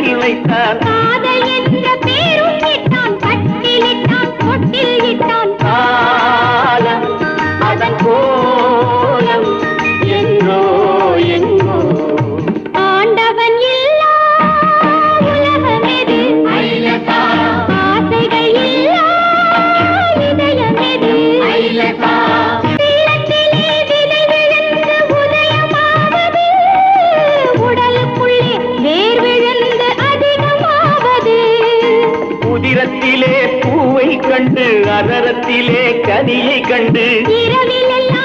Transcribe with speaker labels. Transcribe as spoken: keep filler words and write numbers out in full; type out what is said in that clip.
Speaker 1: கண்ணில் வைத்தான்.
Speaker 2: காதல் என்ற பேரும் இட்டான், கட்டிலிட்டான், தொட்டில் இட்டான்.
Speaker 1: காலம் அதன் கோலம் எங்கோ எங்கோ.
Speaker 2: ஆண்டவன் இல்லா உலகம் எது? ஆசைகள் இல்லா இதயம் எது? உள்ளத்திலே விதை விழுந்து உதயமாவது, உடலுக்குள்ளே வேர் விழுந்து அதிகமாவது.
Speaker 1: உதிரத்திலே பூவை கண்டு அதரத்திலே கனியை கண்டு
Speaker 2: இரவிலெல்லாம்